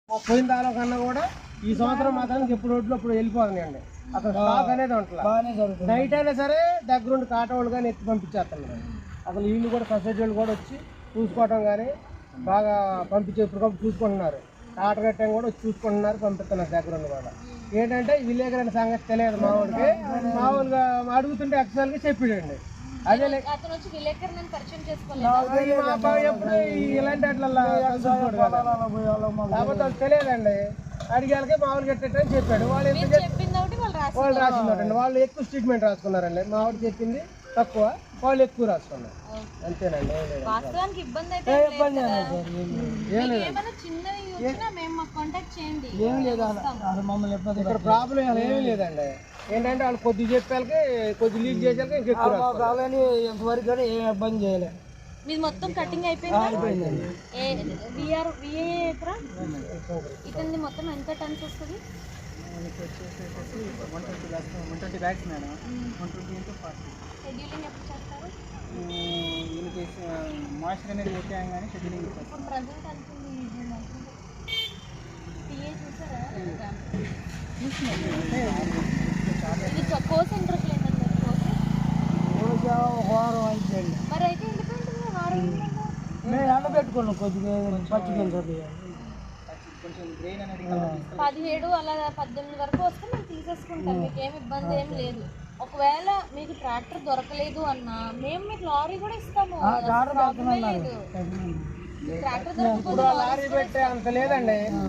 పోయిన దాలో కన్నా కూడా ఈ సంవత్సరం మాత్రానికి ఎప్పుడు రోడ్లు అప్పుడు వెళ్ళిపోతున్నాయండి. అసలు స్టాక్ అనేది ఉంటుంది. నైట్ అయినా సరే దగ్గరుండి కాటవాళ్ళు కానీ ఎత్తి పంపించేస్తున్నారు. అసలు వీళ్ళు కూడా సొసైటీ వాళ్ళు కూడా వచ్చి చూసుకోవటం కానీ బాగా పంపించే ఇప్పుడు చూసుకుంటున్నారు. టాటర్ కట్టం కూడా వచ్చి చూసుకుంటున్నారు, పంపిస్తున్నారు దగ్గరుండి కూడా. ఏంటంటే విలేకరు అనే సంగతి తెలియదు మామూలుగా. మామూలుగా అడుగుతుంటే యాక్చువల్గా చెప్పాడండి. అదే ఎప్పుడు ఇలాంటి అట్లా కాబట్టి వాళ్ళు తెలియదండి. అడిగాలకే మామూలుగా కట్టేటని చెప్పాడు. వాళ్ళు రాసిందండి. వాళ్ళు ఎక్కువ స్టేట్మెంట్ రాసుకున్నారండి. మావాడు చెప్పింది తక్కువ, వాళ్ళు ఎక్కువ రాసుకున్నారు. అంతేనండి. ఇక్కడ ప్రాబ్లం ఏమీ లేదండి. ఏంటంటే వాళ్ళు కొద్దిగా చెప్పాలకి కొద్ది లీక్ చేసాక ఇంకెక్కువ ఎంతవరకు కానీ ఏం ఇబ్బంది చేయలేదు. మీది మొత్తం కటింగ్ అయిపోయింది. ఇతని మొత్తం ఎంత టన్స్ వస్తుంది? 120 బ్యాగ్స్ మేడం. 120 into 40. షెడ్యూలింగ్ ఎప్పుడు చేస్తారు? దీనికి మాయిశ్చర్ అనేది ఓకే కానీ షెడ్యూలింగ్ చేస్తాం. ప్రజెంట్ అనుకుంది టీఏ చూసారా? ఇది కోర్స్ ఇంట్రెస్ట్ లేదండి. వారం అయిపోయింది. మరి అయితే ఎందుకంటే వారం మేము ఎండబెట్టుకున్నాం కొద్దిగా పచ్చిమిరపకాయలు కొంచెం గ్రెయిన్ అనేది 17 అలా 18 వరకు వస్తే మేము తీసేసుకుంటాం. మీకు ఏమి ఇబ్బంది ఏం లేదు. ఒకవేళ మీకు ట్రాక్టర్ దొరకలేదు అన్నా మేము మీకు లారీ కూడా ఇస్తాము. ట్రాక్టర్ దొరకకపోతే లారీ పెట్టే అంత లేదండి.